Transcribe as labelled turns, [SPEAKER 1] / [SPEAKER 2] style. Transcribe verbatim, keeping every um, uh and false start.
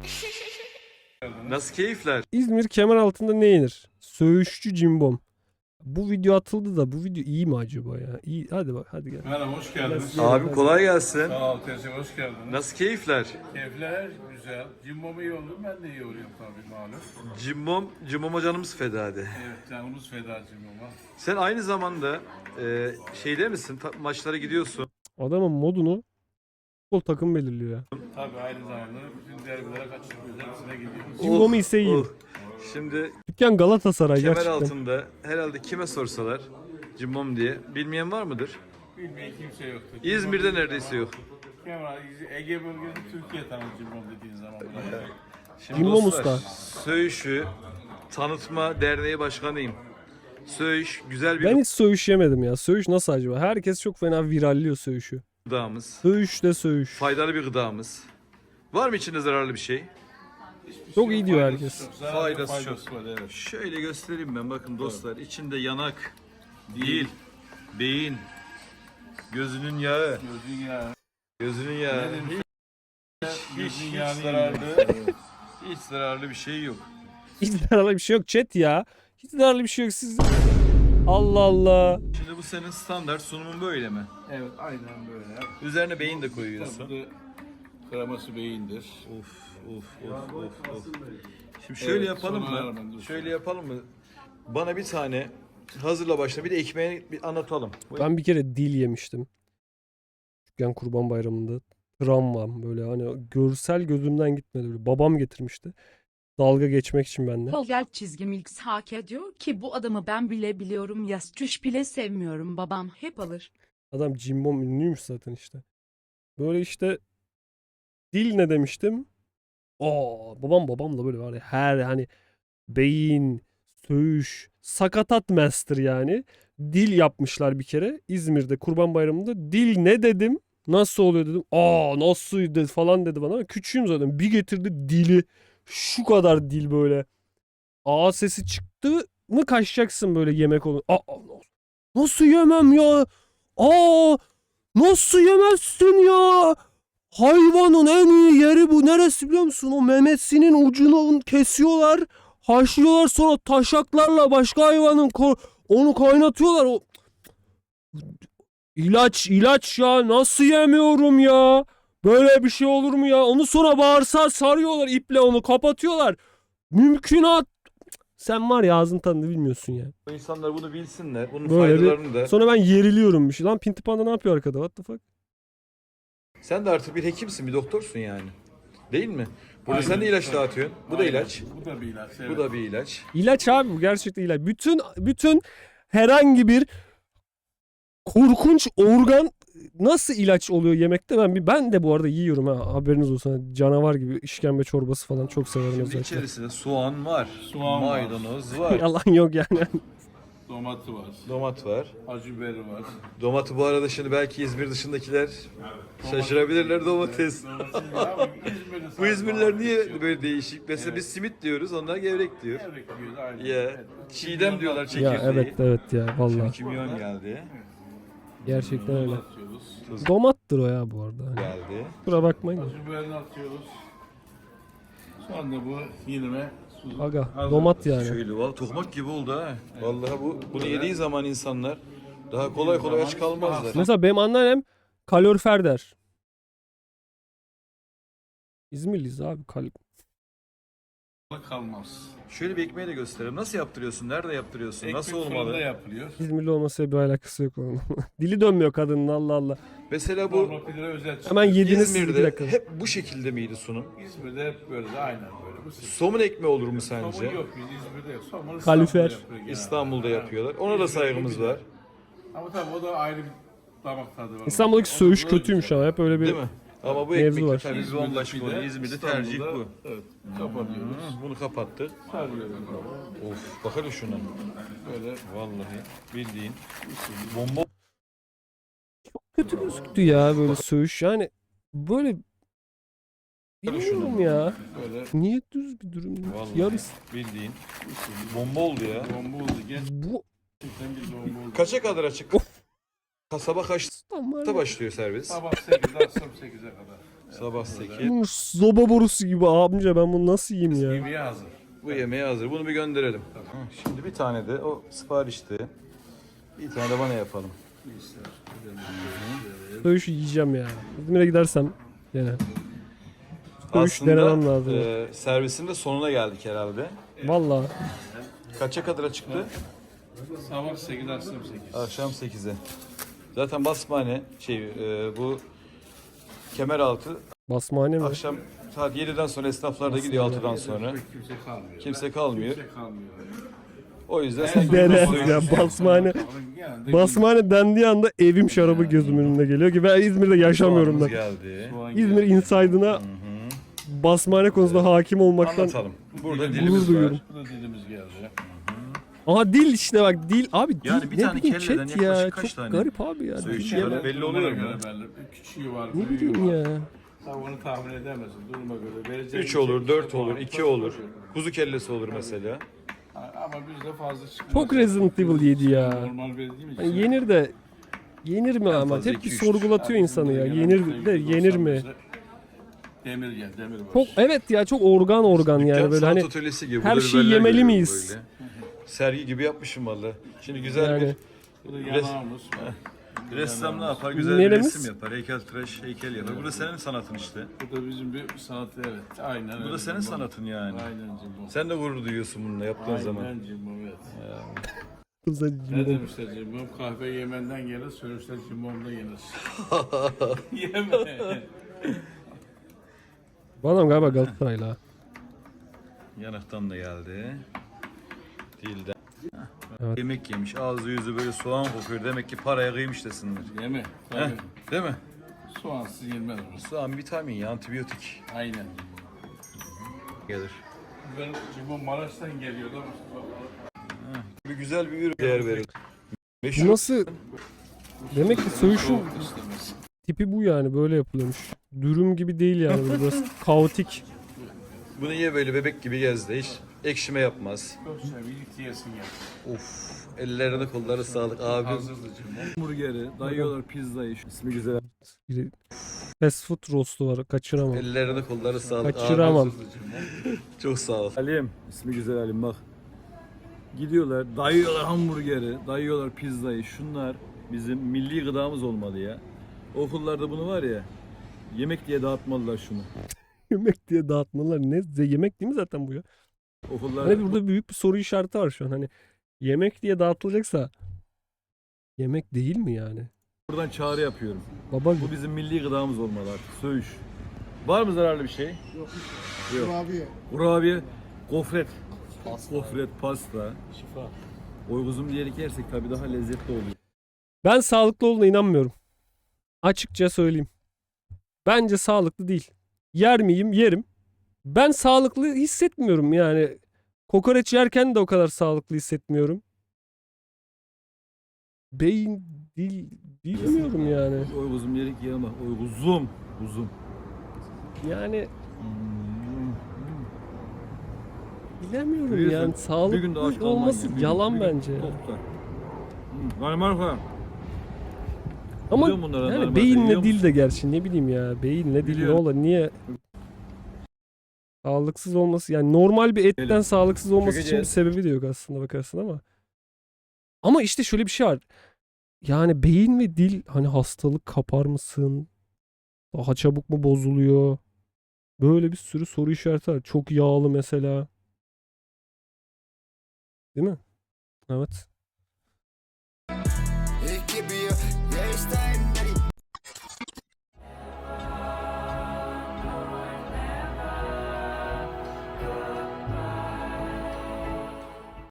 [SPEAKER 1] Nasıl keyifler?
[SPEAKER 2] İzmir kemer altında ne yenir? Söğüşçü cimbom. Bu video atıldı da bu video iyi mi acaba ya? İyi. Hadi bak hadi gel.
[SPEAKER 3] Merhaba, hoş geldiniz.
[SPEAKER 2] Nasıl-
[SPEAKER 1] Abim kolay gelsin.
[SPEAKER 3] Sağ ol, teşekkür hoş geldiniz.
[SPEAKER 1] Nasıl keyifler?
[SPEAKER 3] Keyifler güzel. Cimbom'u iyi oldu, ben de iyi oluyorum tabii malum.
[SPEAKER 1] Cimbom, Cimbom'a canımız feda de.
[SPEAKER 3] Evet, canımız feda Cimbom'a.
[SPEAKER 1] Sen aynı zamanda e, şeyde misin? Ta- maçlara gidiyorsun.
[SPEAKER 2] Adamın modunu futbol takım belirliyor ya.
[SPEAKER 3] Tabii aynı zamanda bütün derbilere kaçırmıyoruz, hepsine gidiyoruz.
[SPEAKER 2] Cimbom'u ise iyi.
[SPEAKER 1] Oh. Şimdi
[SPEAKER 2] Dükkan Galatasaray
[SPEAKER 1] kemer
[SPEAKER 2] gerçekten.
[SPEAKER 1] altında herhalde kime sorsalar Cimbom diye bilmeyen var mıdır?
[SPEAKER 3] Bilmeyen kimse yoktur.
[SPEAKER 1] İzmir'de neredeyse yok.
[SPEAKER 3] Kemal, Ege bölgesi Türkiye tanır Cimbom dediğin zaman. Burada.
[SPEAKER 1] Şimdi
[SPEAKER 2] Cimbom
[SPEAKER 1] dostlar,
[SPEAKER 2] Usta.
[SPEAKER 1] Söğüş'ü Tanıtma Derneği Başkanıyım. Söğüş güzel bir
[SPEAKER 2] Ben hiç söğüş yemedim ya. Söğüş nasıl acaba? Herkes çok fena viralliyor söğüşü.
[SPEAKER 1] gıdamız.
[SPEAKER 2] Söğüş de söğüş.
[SPEAKER 1] Faydalı bir gıdamız. Var mı içinde zararlı bir şey?
[SPEAKER 2] Çok iyi diyor
[SPEAKER 3] Faydası
[SPEAKER 2] herkes.
[SPEAKER 3] çok, zararlı
[SPEAKER 1] Faydası
[SPEAKER 3] faydası
[SPEAKER 1] çok.
[SPEAKER 3] var, evet.
[SPEAKER 1] Şöyle göstereyim ben, bakın dostlar. İçinde yanak, dil, beyin, gözünün yağı,
[SPEAKER 3] Gözün yağı.
[SPEAKER 1] gözünün yağı.
[SPEAKER 3] Ne demiş?
[SPEAKER 1] Hiç, hiç,
[SPEAKER 3] Gözün
[SPEAKER 1] hiç
[SPEAKER 3] yağını
[SPEAKER 1] zararlı,
[SPEAKER 3] yiyor.
[SPEAKER 1] hiç zararlı bir şey yok.
[SPEAKER 2] Hiç zararlı bir şey yok chat ya. Hiç zararlı bir şey yok siz. Allah Allah.
[SPEAKER 1] Şimdi bu senin standart sunumun böyle mi?
[SPEAKER 3] Evet, aynen böyle.
[SPEAKER 1] Üzerine beyin de koyuyorsun.
[SPEAKER 3] Tabii kreması beyindir.
[SPEAKER 1] Of of of of of. Şimdi şöyle
[SPEAKER 3] Evet,
[SPEAKER 1] yapalım
[SPEAKER 3] sonra hemen
[SPEAKER 1] mı?
[SPEAKER 3] dur.
[SPEAKER 1] Şöyle yapalım mı? Bana bir tane hazırla başla, bir de ekmeğini bir anlatalım.
[SPEAKER 2] Ben bir kere dil yemiştim. Küçükken Kurban Bayramı'nda. Travmam böyle hani görsel gözümden gitmedi. Böyle. Babam getirmişti. Dalga geçmek için bende.
[SPEAKER 4] Tolga çizgim X hak ediyor ki bu adamı ben bile biliyorum. Yastüş bile sevmiyorum, babam hep alır.
[SPEAKER 2] Adam cimbom ünlüymüş zaten işte. Böyle işte dil ne demiştim? Aa, babam babam da böyle var ya her hani beyin, söğüş, sakatat master yani. Dil yapmışlar bir kere İzmir'de Kurban Bayramı'nda. Dil ne dedim? Nasıl oluyor dedim. Aa nasıl dedi falan dedi bana. Ama küçüğüm zaten. Bir getirdi dili. Şu kadar dil böyle. A sesi çıktı mı kaçacaksın böyle yemek olur. Aa, nasıl yemem ya? Aa nasıl yemezsin ya? Hayvanın en iyi yeri bu. Neresi biliyor musun? O memesinin ucunu kesiyorlar. Haşlıyorlar, sonra taşaklarla başka hayvanın ko- onu kaynatıyorlar. O ilaç ilaç ya. Nasıl yemiyorum ya? Böyle bir şey olur mu ya? Onu sonra bağırsağa sarıyorlar, iple onu kapatıyorlar. Mümkünat. Sen var ya ağzın tadını bilmiyorsun ya.
[SPEAKER 1] Bu insanlar bunu bilsinler. Bunun
[SPEAKER 2] Böyle bir-
[SPEAKER 1] faydalarını da.
[SPEAKER 2] Sonra ben yeriliyorum bir şey. Lan Pinti Panda ne yapıyor arkada? What the fuck?
[SPEAKER 1] Sen de artık bir hekimsin, bir doktorsun yani. Değil mi? Burada
[SPEAKER 3] Aynen,
[SPEAKER 1] sen de ilaç
[SPEAKER 3] tabii.
[SPEAKER 1] dağıtıyorsun. Bu da
[SPEAKER 3] Aynen.
[SPEAKER 1] ilaç.
[SPEAKER 3] Bu da bir ilaç. Evet.
[SPEAKER 1] Bu da bir ilaç.
[SPEAKER 2] İlaç abi bu gerçekten ilaç. Bütün bütün herhangi bir korkunç organ nasıl ilaç oluyor yemekte ben bir ben de bu arada yiyorum ha haberiniz olsun. Canavar gibi işkembe çorbası falan çok severim
[SPEAKER 1] Şimdi
[SPEAKER 2] özellikle.
[SPEAKER 1] içerisinde soğan var,
[SPEAKER 3] Soğan var.
[SPEAKER 1] maydanoz var,
[SPEAKER 2] Yalan yok yani.
[SPEAKER 3] Domatı var.
[SPEAKER 1] domat var.
[SPEAKER 3] Acı biberi var.
[SPEAKER 1] Domatı bu arada şimdi belki İzmir dışındakiler şaşırabilirler, domates. Bu İzmirliler niye böyle değişik? Mesela biz simit diyoruz, onlar gevrek diyor. Ya çiğdem diyorlar
[SPEAKER 2] Ya
[SPEAKER 1] çekirdeği.
[SPEAKER 2] evet evet ya vallahi
[SPEAKER 1] Kimyon geldi.
[SPEAKER 2] gerçekten öyle.
[SPEAKER 3] Atıyoruz.
[SPEAKER 2] Domattır o ya bu arada. Hani
[SPEAKER 1] Geldi.
[SPEAKER 2] kusura bakmayın. da.
[SPEAKER 3] Acı biberini atıyoruz. Sonra bu yinime su.
[SPEAKER 2] Aga
[SPEAKER 3] hazır.
[SPEAKER 2] domat yani.
[SPEAKER 1] Şöyle valla tohmak gibi oldu ha. Vallahi bu bunu yediği zaman insanlar daha kolay kolay aç kalmazlar.
[SPEAKER 2] Mesela benim anneannem kalorifer der. İzmirliyiz abi. Kal
[SPEAKER 3] kalmaz.
[SPEAKER 1] Şöyle bir ekmeği de gösterelim. Nasıl yaptırıyorsun? Nerede yaptırıyorsun? Nasıl
[SPEAKER 3] Ekmek fırında
[SPEAKER 1] olmalı?
[SPEAKER 3] yapılıyor.
[SPEAKER 2] İzmirli olmasıyla bir alakası yok onun. Dili dönmüyor kadının Allah Allah.
[SPEAKER 1] Mesela bu
[SPEAKER 3] Normal pidere özel çıkıyor.
[SPEAKER 2] Hemen yediniz siz bir
[SPEAKER 1] İzmir'de
[SPEAKER 2] dakika.
[SPEAKER 1] hep bu şekilde miydi sunum?
[SPEAKER 3] İzmir'de hep böyle de aynen böyle. Bu sık-
[SPEAKER 1] Somun ekmeği olur mu
[SPEAKER 3] Somun
[SPEAKER 1] sence?
[SPEAKER 3] yok biz İzmir'de yok. Somun
[SPEAKER 2] Kalifer.
[SPEAKER 3] İstanbul'da yapıyor genelde.
[SPEAKER 1] İstanbul'da yapıyorlar. Ona da
[SPEAKER 3] İzmir'de
[SPEAKER 1] saygımız
[SPEAKER 3] güzel.
[SPEAKER 1] var.
[SPEAKER 3] Ama tabii o da ayrı bir damak tadı var.
[SPEAKER 2] İstanbul'daki
[SPEAKER 3] O da
[SPEAKER 2] söğüş
[SPEAKER 3] böyle
[SPEAKER 2] kötüymüş
[SPEAKER 3] güzel.
[SPEAKER 2] ama hep öyle bir
[SPEAKER 1] Değil mi? Ama bu
[SPEAKER 2] Mevzu
[SPEAKER 1] ekmek
[SPEAKER 2] var.
[SPEAKER 1] de tabii bir
[SPEAKER 3] İzmir'de
[SPEAKER 1] bambaşka
[SPEAKER 3] pide,
[SPEAKER 1] oluyor. İzmir'de tercih
[SPEAKER 3] İstanbul'da,
[SPEAKER 1] bu.
[SPEAKER 3] Evet. Kapatıyoruz.
[SPEAKER 1] Hı, bunu kapattık.
[SPEAKER 3] Sarıyoruz.
[SPEAKER 1] Of bak hele şuna.
[SPEAKER 3] Böyle
[SPEAKER 1] Vallahi bildiğin bomba.
[SPEAKER 2] kötü gözüktü ya böyle söğüş. Yani böyle bilmiyorum ya.
[SPEAKER 3] böyle
[SPEAKER 2] Niye düz bir durum değil?
[SPEAKER 1] Vallahi
[SPEAKER 2] Yarısı.
[SPEAKER 1] bildiğin bomba oldu ya.
[SPEAKER 3] bomba oldu.
[SPEAKER 2] Bu
[SPEAKER 3] Gerçekten bir bomba oldu.
[SPEAKER 1] Kaça kadar açık? Kasaba kaçta
[SPEAKER 2] tam var ya.
[SPEAKER 1] başlıyor servis?
[SPEAKER 3] Sabah sekizde akşam sekize kadar.
[SPEAKER 1] Sabah sekiz.
[SPEAKER 2] Bu soba borusu gibi amca, ben bunu nasıl yiyeyim ya?
[SPEAKER 3] Yemeğe hazır.
[SPEAKER 1] Bu yemeğe hazır. Bunu bir gönderelim. Hı, Şimdi bir tane de o siparişti. Bir tane de bana yapalım.
[SPEAKER 2] Söğüş yiyeceğim ya. İzmir'e gidersem gene. Söğüş denemem lazım.
[SPEAKER 1] e, servisin de sonuna geldik herhalde.
[SPEAKER 2] Vallahi.
[SPEAKER 1] Kaça kadar çıktı?
[SPEAKER 3] Sabah sekiz, akşam sekiz.
[SPEAKER 1] Akşam sekize. Zaten basmane şey e, bu Kemeraltı
[SPEAKER 2] Basmane mi?
[SPEAKER 1] akşam saat yediden sonra esnaflar da gidiyor altıdan sonra.
[SPEAKER 3] Kimse kalmıyor.
[SPEAKER 1] Kimse kalmıyor.
[SPEAKER 3] Kimse kalmıyor.
[SPEAKER 1] O yüzden sen
[SPEAKER 2] Dene ya, basmane.
[SPEAKER 3] Genelde
[SPEAKER 2] Basmane dendiği anda evim şarabı gözümün önüne geliyor ki ben İzmir'de yaşamıyorum
[SPEAKER 1] soğanımız
[SPEAKER 2] ben.
[SPEAKER 1] geldi.
[SPEAKER 3] soğan
[SPEAKER 2] İzmir
[SPEAKER 3] geldi.
[SPEAKER 2] Inside'ına basmane konusunda hakim olmaktan
[SPEAKER 1] Anlatalım. Burada
[SPEAKER 3] Gurur
[SPEAKER 1] dilimiz var.
[SPEAKER 2] duyuyorum.
[SPEAKER 3] Bu da dilimiz geldi.
[SPEAKER 2] Aha dil işte bak, dil abi, dil
[SPEAKER 1] Yani bir
[SPEAKER 2] ne
[SPEAKER 1] tane
[SPEAKER 2] bileyim
[SPEAKER 1] kelleden
[SPEAKER 2] chat ya,
[SPEAKER 1] yaklaşık kaç
[SPEAKER 2] çok
[SPEAKER 1] tane
[SPEAKER 2] garip abi ya.
[SPEAKER 1] söğüş
[SPEAKER 2] Dil
[SPEAKER 1] yiyorlar?
[SPEAKER 2] yeme-
[SPEAKER 1] Belli oluyor mu?
[SPEAKER 3] Duruma göre belli. Küçüğü var,
[SPEAKER 2] Ne
[SPEAKER 3] büyüğü
[SPEAKER 2] bileyim
[SPEAKER 3] var.
[SPEAKER 2] ya.
[SPEAKER 3] Sen onu tahmin edemezsin duruma göre. Vereceğin
[SPEAKER 1] üç
[SPEAKER 3] şey
[SPEAKER 1] olur, dört
[SPEAKER 3] işte
[SPEAKER 1] olur,
[SPEAKER 3] var.
[SPEAKER 1] iki olur. Kuzu kellesi olur mesela.
[SPEAKER 3] Ama bizde fazla çıkmaz.
[SPEAKER 2] Çok Resident Evil yedi ya.
[SPEAKER 3] Normal verdiğim için.
[SPEAKER 2] Hani yenir de yenir mi ama?
[SPEAKER 1] fazla
[SPEAKER 2] Hep bir
[SPEAKER 1] iki, üç.
[SPEAKER 2] sorgulatıyor insanı ya. Yenir de yenir mi?
[SPEAKER 3] Demir gel, demir var.
[SPEAKER 2] Çok evet ya, çok organ organ yani
[SPEAKER 1] Dükkan
[SPEAKER 2] böyle
[SPEAKER 1] sanat
[SPEAKER 2] hani
[SPEAKER 1] atölyesi gibi.
[SPEAKER 2] her
[SPEAKER 1] Burada
[SPEAKER 2] şeyi
[SPEAKER 1] biberler
[SPEAKER 2] yemeli
[SPEAKER 1] görüyorum
[SPEAKER 2] miyiz?
[SPEAKER 1] böyle. Sergi gibi yapmışım valla. Şimdi güzel
[SPEAKER 2] Yani.
[SPEAKER 3] Bu da yanağımız.
[SPEAKER 1] bir ressam ne yapar? Güzel
[SPEAKER 2] Neremiz?
[SPEAKER 1] bir resim yapar. Heykeltıraş heykel yapar. Bu da senin sanatın işte.
[SPEAKER 3] Bu da bizim bir sanat, evet. Aynen
[SPEAKER 1] Bu
[SPEAKER 3] öyle.
[SPEAKER 1] da senin sanatın yani.
[SPEAKER 3] Aynen Cimbo.
[SPEAKER 1] Sen de gurur duyuyorsun bununla yaptığın zaman.
[SPEAKER 3] Aynen Cimbo, evet.
[SPEAKER 2] Kızlar
[SPEAKER 3] Ne
[SPEAKER 2] cimbom.
[SPEAKER 3] demişler Cimbo? Kahve Yemen'den gelir, sörüşler Cimbom'da yenir. Yeme.
[SPEAKER 2] Bu adam galiba Galatasaraylı ha.
[SPEAKER 1] Yanaktan da geldi. Dilden.
[SPEAKER 2] Evet.
[SPEAKER 1] Yemek yemiş. Ağzı yüzü böyle soğan kokuyor. Demek ki paraya kıymış desinler.
[SPEAKER 3] Yeme.
[SPEAKER 1] Heh,
[SPEAKER 3] Tabii.
[SPEAKER 1] değil mi?
[SPEAKER 3] Soğansız yenmez bu.
[SPEAKER 1] Soğan vitamin ya, antibiyotik
[SPEAKER 3] Aynen Cimbo.
[SPEAKER 1] gelir.
[SPEAKER 3] Ben Cimbo Maraş'tan geliyordu ama.
[SPEAKER 1] Bir güzel bir ürün değer verir.
[SPEAKER 2] Bu
[SPEAKER 1] Meşhur.
[SPEAKER 2] nasıl? Demek ki söğüşün
[SPEAKER 3] Soğuk istemez.
[SPEAKER 2] tipi bu yani, böyle yapılıyormuş. Dürüm gibi değil yani, böyle biraz kaotik.
[SPEAKER 1] Bunu ye böyle bebek gibi gezdi. Hiç ekşime yapmaz.
[SPEAKER 3] Çok seviyelik diyesin ya.
[SPEAKER 1] Of. Ellerine kolları sağlık abi.
[SPEAKER 3] Hazırdı Cimbo.
[SPEAKER 1] Hamburgeri, dayıyorlar pizzayı. İsmi güzel.
[SPEAKER 2] Bir fast food rostu var, kaçıramam.
[SPEAKER 1] Ellerine kolları sağlık
[SPEAKER 2] Kaçıramam.
[SPEAKER 3] Hazırdı Cimbo.
[SPEAKER 1] Çok sağ ol. Halim. İsmi güzel Halim bak. Gidiyorlar, dayıyorlar hamburgeri, dayıyorlar pizzayı. Şunlar bizim milli gıdamız olmalı ya. Okullarda bunu var ya, yemek diye dağıtmalılar şunu.
[SPEAKER 2] Yemek diye dağıtmalar ne? Yemek değil mi zaten bu ya?
[SPEAKER 1] Okullarda
[SPEAKER 2] Hani burada büyük bir soru işareti var şu an. Hani yemek diye dağıtılacaksa yemek değil mi yani?
[SPEAKER 1] buradan çağrı yapıyorum.
[SPEAKER 2] Baba
[SPEAKER 1] Bu bizim milli gıdamız olmalı artık. Söğüş. Var mı zararlı bir şey? Yok. Kurabiye. Kurabiye, gofret. Gofret, pasta.
[SPEAKER 3] Şifa.
[SPEAKER 1] Oyguzum diyerek yersek tabii daha lezzetli oluyor.
[SPEAKER 2] ben sağlıklı olduğuna inanmıyorum. Açıkça söyleyeyim. Bence sağlıklı değil. Yer miyim? Yerim. Ben sağlıklı hissetmiyorum yani. Kokoreç yerken de o kadar sağlıklı hissetmiyorum. Beyin, dil, bilmiyorum yani.
[SPEAKER 1] Oyguzum diyerek yiyemem. Oyguzum. Uzum.
[SPEAKER 2] Yani
[SPEAKER 1] Hmm.
[SPEAKER 2] bilemiyorum
[SPEAKER 1] Bir gün-
[SPEAKER 2] yani.
[SPEAKER 1] bir gün de aç
[SPEAKER 2] Sağlıklı
[SPEAKER 1] kalman
[SPEAKER 2] olması
[SPEAKER 1] ya. Bir gün-
[SPEAKER 2] yalan
[SPEAKER 1] bir gün
[SPEAKER 2] bence. ya.
[SPEAKER 1] tok tutar. Hmm. Danimarka.
[SPEAKER 2] Ama
[SPEAKER 1] Biliyorum bunları,
[SPEAKER 2] yani
[SPEAKER 1] Danimarka'yı
[SPEAKER 2] beyinle
[SPEAKER 1] biliyor
[SPEAKER 2] dil
[SPEAKER 1] musun?
[SPEAKER 2] de gerçi ne bileyim ya. Beyinle dil ne
[SPEAKER 1] Biliyorum.
[SPEAKER 2] olur? Niye sağlıksız olması, yani normal bir etten
[SPEAKER 1] Gelin.
[SPEAKER 2] sağlıksız olması için bir
[SPEAKER 1] Çökeceğiz.
[SPEAKER 2] sebebi de yok aslında bakarsın ama. Ama işte şöyle bir şey var. Yani beyin ve dil, hani hastalık kapar mısın? Daha çabuk mu bozuluyor? Böyle bir sürü soru işareti var. Çok yağlı mesela. Değil mi? Evet.